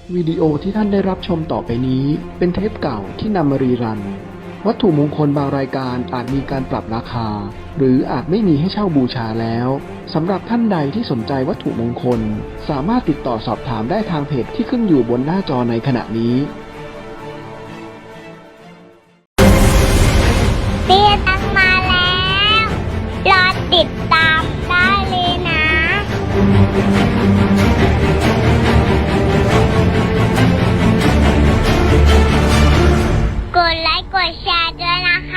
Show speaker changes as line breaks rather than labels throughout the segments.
วิดีโอที่ท่านได้รับชมต่อไปนี้เป็นเทปเก่าที่นำมารีรันวัตถุมงคลบางรายการอาจมีการปรับราคาหรืออาจไม่มีให้เช่าบูชาแล้วสำหรับท่านใดที่สนใจวัตถุมงคลสามารถติดต่อสอบถามได้ทางเพจที่ขึ้นอยู่บนหน้าจอในขณะนี้
เตี้ยตังมาแล้ว รอติดตามได้เลยนะ กดไลค์กดแชร์ด้วยนะคะ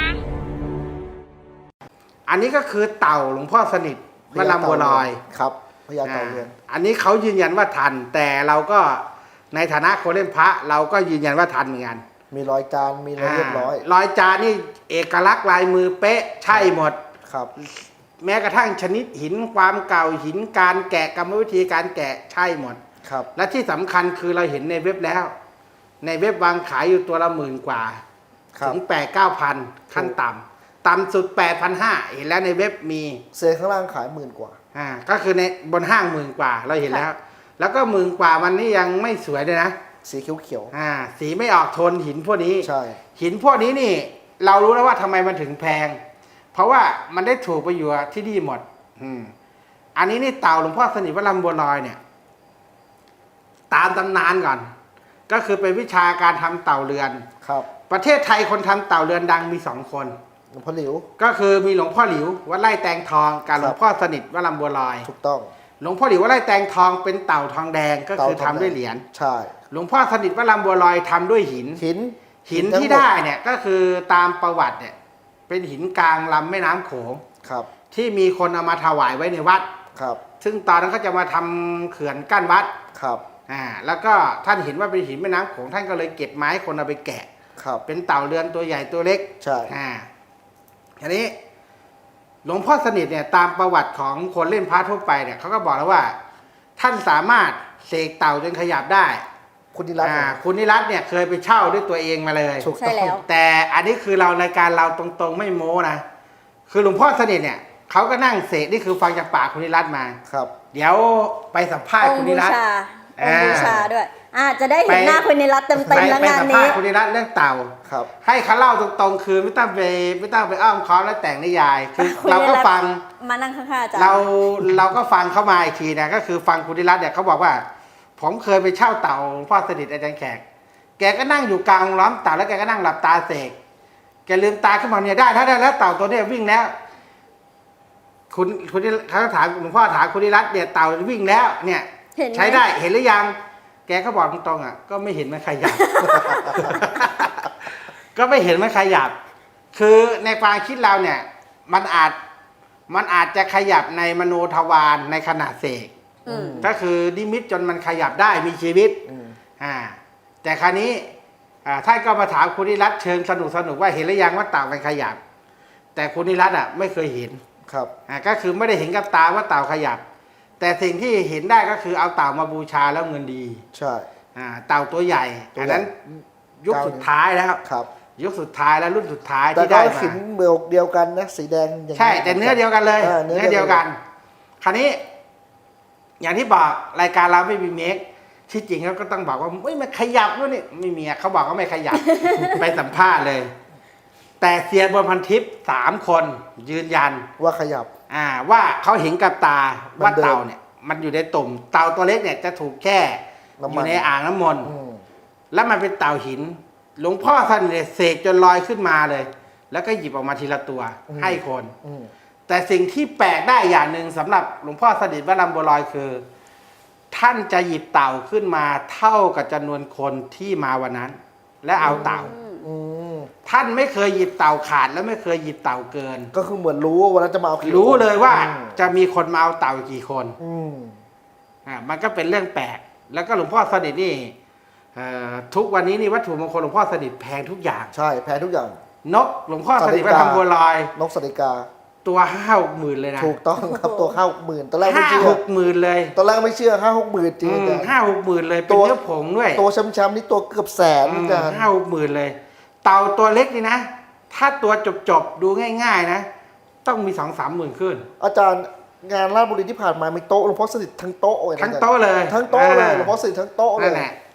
อันนี้ก็คือเต่าหลวงพ่อสนิทวัดลำบัวลอย
ครับพญาเต่าเรือน
อันนี้เขายืนยันว่าทัน แต่เราก็ในฐานะคนเล่นพระเราก็ยืนยันว่าทันเหมือนกัน
มีรอยจานมีอะไรเรียบร้อย
รอยจานนี่เอกลักษณ์ลายมือเป๊ะใช่หมด
ครับ
แม้กระทั่งชนิดหินความเก่าหินการแกะกรรมวิธีการแกะใช่หมด
ครับ
และที่สำคัญคือเราเห็นในเว็บแล้ว ในเว็บวางขายอยู่ตัวละ10,000 กว่า
ครับ
ถึง8-9,000ขั้นต่ำสุด8,500เห็นแล้วในเว็บมี
เซนข้างล่างขาย10,000 กว่า
ก็คือในบนห้าง10,000 กว่าเราเห็นแล้ว แล้วก็10,000 กว่ามันนี่ยังไม่สวยเลยนะ
สีเขียว
สีไม่ออกโทนหินพวกนี้
ใช่
หินพวกนี้นี่ เรารู้แล้วว่าทำไมมันถึงแพง เพราะว่ามันได้ถูกไปอยู่ที่นี่หมดอันนี้นี่เต่าหลวงพ่อสนิทวัดลำบัวลอยเนี่ย ตามตำนานก่อน ก็คือเป็นวิชาการทำเต่าเรือน
ครับ
ประเทศไทยคนทำเต่าเรือนดังมี2 คน
หลวงพ่อหลิว
ก็คือมีหลวงพ่อหลิววัดไร่แตงทองกับหลวงพ่อสนิทวัดลำบัวลอย
ถูกต้อง
หลวงพ่อหลิววัดไร่แตงทองเป็นเต่าทองแดงก็คือ
เต่าท
ทำ
องแดง
ด้วยเหรียญ
ใช่
หลวงพ่อสนิทวัดลำบัวลอยทำด้วยหิน หินที่ได้เนี่ยก็คือตามประวัติเนี่ยเป็นหินกลางลำแม่น้ำโขง
ครับ
ที่มีคนเอามาถวายไว้ในวัด
ครับ
ซึ่งตอนนั้นเขาจะมาทำเขื่อนกั้นวัด
ครับ
แล้วก็ท่านเห็นว่าเป็นหินแม่น้ำโขงท่านก็เลยเก็บไม้คนเอาไปแกะ
ครับ
เป็นเต่าเรือนตัวใหญ่ตัวเล็ก
ใช่
ทีนี้หลวงพ่อสนิทเนี่ยตามประวัติของคนเล่นพระทั่วไปเนี่ยเขาก็บอกแล้วว่า ท่านสามารถเสกเต่าจนขยับได้
คุณนิรัตน์
คุณนิรัตน์เนี่ยเคยไปเช่าด้วยตัวเองมาเลย
ถูก
ใช่
ต้อง
แล้ว
แต่อันนี้คือเรารายการเราตรงๆไม่โม้นะคือหลวงพ่อสนิทเนี่ยเขาก็นั่งเสกนี่คือฟังจากปากคุณนิรัตน์มา
ครับ
เดี๋ยวไปสัมภาษ
อ
ณ์
ง
คุณ
ค์
นิ
บู
รัตน์
ชาองค์บูชาด้วยจะได้เห็น
ไป
หน้าคุณนิรัตน์เต็มๆแล้ว
ไป
งาน
สัมภา
นี้
ษณ์คุณนิรัตน์เรื่องเต่า
ครับ
ให้เขาเล่าตรงๆคือไม่ต้องไปอ้อมค้อมและแต่งนิยายคือ
คุณ
เราก็
นิรัตน์
ฟัง
มานั่งข้างๆอาจารย์
เราก็ฟังเข้ามาอีกทีนะก็คือฟังคุณนิรัตน์เนี่ยเขาบอกว่า ผมเคยไปเช่าเต่าหลวงพ่อสนิทอาจารย์แขกแกก็นั่งอยู่กลางล้อมเต่าแล้วแกก็นั่งหลับตาเสกแกลืมตาขึ้นมาเนี่ยได้แล้วเต่าตัวเนี้ยวิ่งแล้ว คุณเขาถามหลวงพ่อถามคุณนิรัตน์เนี่ยเต่าวิ่งแล้วเนี่ย
เห็นไหม
ใช้ได้เห็นหรือยัง แกก็บอกตรงๆก็ไม่เห็นมันขยับ ก็ไม่เห็นมันขยับ คือในความคิดเราเนี่ย มันอาจจะขยับในมโนทวารในขณะเสก
อืม
ก็คือนิมิตจนมันขยับได้มีชีวิต
อืม
แต่คราวนี้ท่านก็มาถามคุณนิรัตน์เชิงสนุกว่าเห็นหรือยังว่าเต่ามันขยับ แต่คุณนิรัตน์ไม่เคยเห็น
ครับ
ก็คือไม่ได้เห็นกับตาว่าเต่าขยับ แต่สิ่งที่เห็นได้ก็คือเอาเต่ามาบูชาแล้วเงินดี
ใช่
เต่าตัวใหญ่
ตัวใหญ่
อันนั้นยุคสุดท้ายแล้ว
ครับ
ยุคสุดท้ายแล้วรุ่นสุดท้าย
แต่
ที่
ก็
ได้มา
หินเบลเดียวกันนะสีแดงอย่างนี้
ใช่แต่เนื้อเดียวกันเลย
เนื้อ
เดียวกัน คราวนี้ อย่างที่บอกรายการเราไม่มีเมคที่จริงเขาก็ต้องบอกว่าไม่มันขยับด้วยนี่ไม่มีเขาบอกว่าไม่ขยับ ไปสัมภาษณ์เลย แต่เซียนบนพันทิพย์3 คนยืนยัน
ว่าขยับ
ว่าเขาเห็นกับตาว่า
มันเดิน
เต่าเนี่ย มันอยู่ในตุ่มเต่าตัวเล็กเนี่ยจะถูกแช่
น้ำมัน
อยู่ในอ่างน้ำมนต์
อืม
แล้วมันเป็นเต่าหิน หลวงพ่อท่านเนี่ยเสกจนลอยขึ้นมาเลย แล้วก็หยิบออกมาทีละตัวให้คน
อืม
แต่สิ่งที่แปลกได้อย่างหนึ่งสำหรับหลวงพ่อสนิทวัดลำบัวลอยคือ ท่านจะหยิบเต่าขึ้นมาเท่ากับจำนวนคนที่มาวันนั้น และเอาเต่า
อืม
ท่านไม่เคยหยิบเต่าขาดและไม่เคยหยิบเต่าเกิน
ก็คือเหมือนรู้ว่าวันนั้นจะมาเอากี่
รู้เลยว่า
อืม
จะมีคนมาเอาเต่ากี่คน
อืม
มันก็เป็นเรื่องแปลก แล้วก็หลวงพ่อสนิทนี่ทุกวันนี้นี่วัตถุมงคลหลวงพ่อสนิทแพงทุกอย่าง
ใช่แพ้ทุกอย่าง
นกหลวงพ่อสนิทวัดลำบัวลอย
นกสติกา
ตัว5-6 หมื่นเลยนะ
ถูกต้องครับตัว50,000ตอนแรกไม่
ห้า
เชื่อ
หกหมื่นเลย
ตอนแรกไม่เชื่อ50,000จริงอาจารย์
5-6 หมื่นเลยเป็น
ตัว
เนื้อผงด้วย
ตัวช้ำๆนี่ตัวเกือบแสนอาจารย์
5-6 หมื่นเลย เต่าตัวเล็กนี่นะ ถ้าตัวจบดูง่าย ๆ นะ ต้องมี 2-3 หมื่นขึ้น
อาจารย์งานราชบุรีที่ผ่านมามีโต๊ะหลวงพ่อสนิททั้งโต๊ะเลยนะ
ทั้งโต๊ะเลย
ทั้งโต๊ะเลยหลวงพ่อสนิททั้งโต๊ะเล
นั่
ย
นแหละ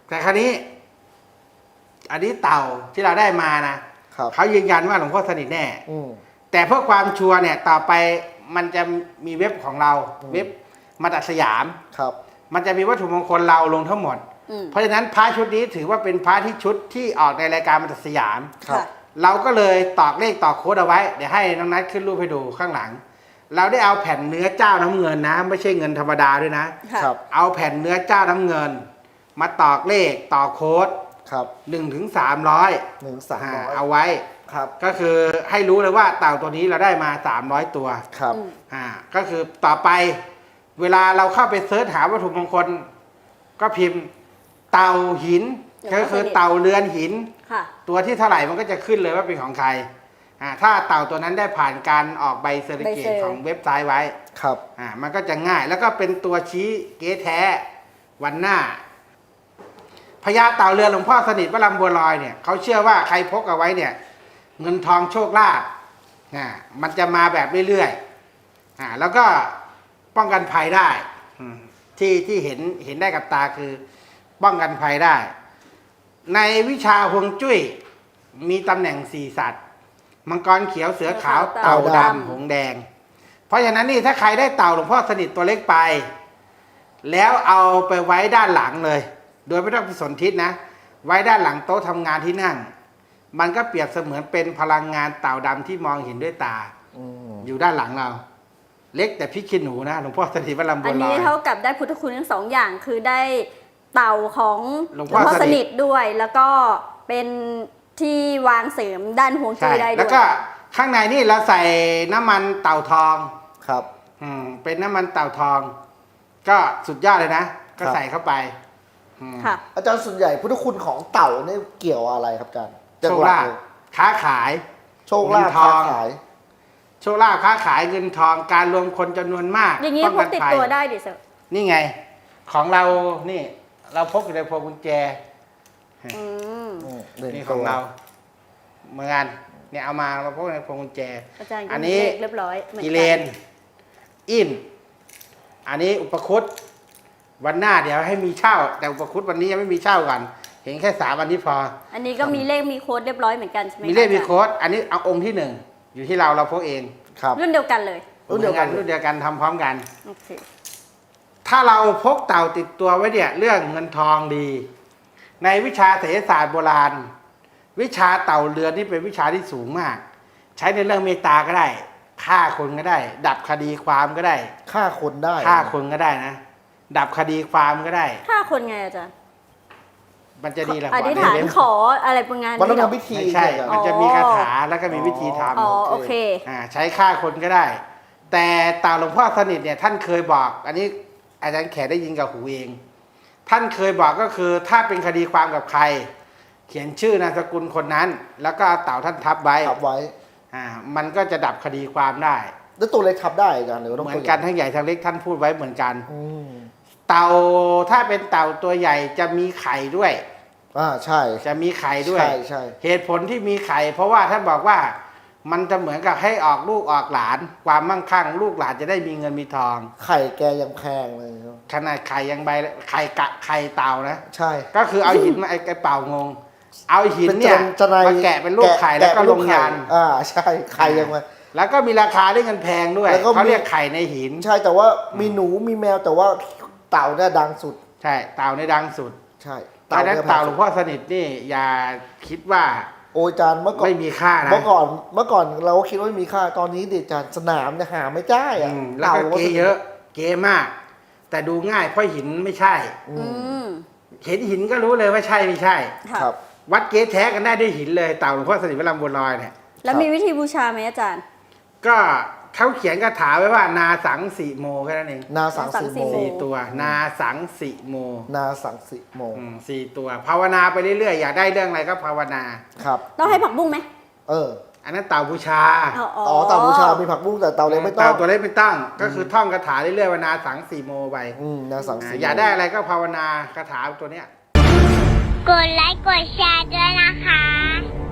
แต่คราวนี้ อันนี้เต่าที่เราได้มานะครับ เขายืนยันว่าหลวงพ่อสนิทแน่
อืม
แต่เพื่อความชัวร์เนี่ยต่อไปมันจะมีเว็บของเรา
อืม
เว็บมาตัดสยาม
ครับ
มันจะมีวัตถุมงคลเราลงทั้งหมด
อืม
เพราะฉะนั้นพระชุดนี้ถือว่าเป็นพระที่ชุดที่ออกในรายการมาตัดสยาม
ครับ
ค่ะ
เราก็เลยตอกเลขตอกโค้ดเอาไว้เดี๋ยวให้น้องนัทขึ้นรูปให้ดูข้างหลัง เราได้เอาแผ่นเนื้อเจ้าน้ำเงินนะ ไม่ใช่เงินธรรมดาด้วยนะ
ค่ะ
ครับ
เอาแผ่นเนื้อเจ้าน้ำเงิน มาตอกเลขตอกโค้ด
ครับ
1 ถึง 300
1-300
เอาไว้
ครับ
ก็คือให้รู้เลยว่าเต่าตัวนี้เราได้มา300ตัว
ครับ
อืม
ก็คือต่อไปเวลาเราเข้าไปเสิร์ชหาวัตถุมงคล ก็พิมพ์เต่าหิน ก็คือเต่าเรือนหิน
ค่ะ
ตัวที่เท่าไหร่มันก็จะขึ้นเลยว่าเป็นของใครถ้าเต่าตัวนั้นได้ผ่านการออกใบเซอร์ติฟิเคตของเว็บไซต์ไว้
ครับ
มันก็จะง่ายแล้วก็เป็นตัวชี้เก๊แท้วันหน้าพญาเต่าเรือนหลวงพ่อสนิทวัดลำบัวลอยเนี่ยเขาเชื่อว่าใครพกเอาไว้เนี่ย เงินทองโชคลาภมันจะมาแบบเรื่อยๆแล้วก็ป้องกันภัยได้ที่เห็นได้กับตาคือป้องกันภัยได้ ในวิชาฮวงจุ้ยมีตำแหน่ง4สัตว์มังกรเขียวเสือขาวเต่าดำหงส์แดง เพราะฉะนั้นนี่ถ้าใครได้เต่าหลวงพ่อสนิทตัวเล็กไป แล้วเอาไปไว้ด้านหลังเลย โดยไม่ต้องไปสนทิศนะ ไว้ด้านหลังโต๊ะทำงานที่นั่ง มันก็เปรียบเสมือนเป็นพลังงานเต่าดำที่มองเห็นด้วยตา
อืม
อยู่ด้านหลังเรา เล็กแต่พริกขี้หนูนะหลวงพ่อสนิทวัดลำบั
อั
วน ล
นี้
อย
เท่ากับได้พุทธคุณทั้งสองอย่างคือได้เต่าของ
หลวงพ่อ
สนิทด้วย แล้วก็เป็นที่วางเสริมด้านฮวงจุ้
ใช่
ยได้ด้วย
แล้วก็ข้างในนี่เราใส่น้ำมันเต่าทอง
ครับ
เป็นน้ำมันเต่าทอง ก็สุดยอดเลยนะ ก็
ครับ
ใส่เข้าไป
ค่ะ
อาจารย์ส่วนใหญ่พุทธคุณของเต่าเนี่ยเกี่ยวอะไรครับอาจารย์
โชคลาภ
เลย
ค้าขาย
โชคลาภ
เงินท
ค้า
อง
ขาย
โชคลาภค้าขายเงินทองการรวมคนจำนวนมาก
อย่างนี้
ป้อง
พ
กั
ก
น
ติด
ภัย
ตัวได้ดิเซอร์
นี่ไง ของเรานี่ เราพกอยู่ในพวงกุญแจ
อืม
นี่ของเราเหมือนกันเนี่ยเอามาเราพกในพวงกุญแจ
อาจารย์
อั
ก็
น
มี
นี้
เลขเรียบร้อยหมือ
กิเลน อิน อันนี้อุปคุตวันหน้าเดี๋ยวให้มีเช่า แต่อุปคุตวันนี้ยังไม่มีเช่ากัน เห็นแค่3วันที่พอ
อันนี้ก็มีเลขมีโค้ดเรียบร้อยเหมือนกันใช่ไหม
มีเลข
คะ
มีโค้ด อันนี้เอาองค์ที่ 1 อยู่ที่เราพกเอง
ครับ
รุ่นเดียวกันเลย
รุ่นเดียวกัน
รุ่นเดียวกันทำพร้อมกัน
โอเค
ถ้าเราพกเต่าติดตัวไว้เนี่ยเรื่องเงินทองดี ในวิชาเศรษฐศาสตร์โบราณ วิชาเต่าเรือนนี่เป็นวิชาที่สูงมาก ใช้ในเรื่องเมตตาก็ได้ฆ่าคนก็ได้ ดับคดีความก็ได้
ฆ่าคนได้
ฆ่าคนก็ได้นะ ดับคดีความก็ได้
ถ้าคนไงอาจารย์
มันจะดีแหละ
อธิษฐานขออะไรประมาณ
มันต้อง
นี้เหรอ
ทำพิธี
ไม่ใช่
อาจารย์
มันจะมีคาถาแล้วก็มีวิธีท
อ๋อ
ำ
โอเค
ใช้ฆ่าคนก็ได้ แต่เต่าหลวงพ่อสนิทเนี่ยท่านเคยบอก อันนี้อาจารย์แขกได้ยินกับหูเอง ท่านเคยบอกก็คือถ้าเป็นคดีความกับใคร เขียนชื่อนามสกุลคนนั้น แล้วก็เอาเต่าท่านทับไว้
ทับไว้
มันก็จะดับคดีความได้
แล้วตัวเล็กทับได้อาจารย์หรือว่าต้อง
เหมือ
ตัวน ให
กั
ญ่
นทั้งใหญ่ทั้งเล็กท่านพูดไว้เหมือนกัน
อืม
เต่าถ้าเป็นเต่าตัวใหญ่จะมีไข่ด้วย
ใช่
จะมีไข่ด้วย
ใช่ใช่
เหตุผลที่มีไข่ เพราะว่าท่านบอกว่ามันจะเหมือนกับให้ออกลูกออกหลาน ความมั่งคั่งลูกหลานจะได้มีเงินมีทอง
ไข่แกยังแพงเลยครับ
ขนาดไข่ยังใบไข่กะไข่เต่านะ
ใช่
ก็คือเอาหินมาไอ้เป่างง เอาหินเนี่ย
จะใน
มาแกะเป็นลูกไข่แล้วก็
เป็น
ล
ลู
ง
ไข่
ยัน
ใช่ไข่ยังไง
แล้วก็มีราคาได้เงินแพงด้วย
แล้วก็มี
เขาเรียกไข่ในหิน
ใช่แต่ว่ามีหนูมีแมวแต่ว่าเต่าเนี่ยดังสุด
ใช่เต่าในดังสุด
ใช่
เพราะฉะนั้น
นี่ย
เต่าหลวงพ่อสนิทนี่อย่าคิดว่า
โอ้ยอาจารย์เมื่อก่อน
ไม่มีค่านะ
เมื่อก่อนเราก็คิดว่าไม่มีค่าตอนนี้เด็กอาจารย์สนามเนี่ยหาไม่ได้อะ
แล้วก็เกเยอะ เกมาก แต่ดูง่ายเพราะหินไม่ใช่
อื
อื
ม
ม
เห็นหินก็รู้เลยว่าใช่ไม่ใช่
ค่ะ
ครับ
วัดเกแท้กันได้ด้วยหินเลยเต่าหลวงพ่อสนิทวัดลำบัวลอยเนี่ย
แล้วมีวิธีบูชาไหมอาจารย์
ก็เขาเขียนคาถาไว้ว่านาสังสีโมแค่นั้นเอง
นาสังสีโม
นาสังสีโม
4 ตัว นาสังสีโม
นาสังสีโม
4 ตัว ภาวนาไปเรื่อยๆ อยากได้เรื่องอะไรก็ภาวนา
ครับ
ต้องให้ผักบุ้งไหม
อันนั้นเต่าบูชา
อ๋อเต่าบูชามีผักบุ้งแต่เต่าเล็กไม่ต้อง
เต่าตัวเล็กไม่ต้องก็คือท่องคาถาเรื่อยๆว่านาสังสีโมไป
นาสังสี
อยากได้อะไรก็ภาวนาคาถาตัวเนี้ย
กดไลค์กดแชร์ด้วยนะคะ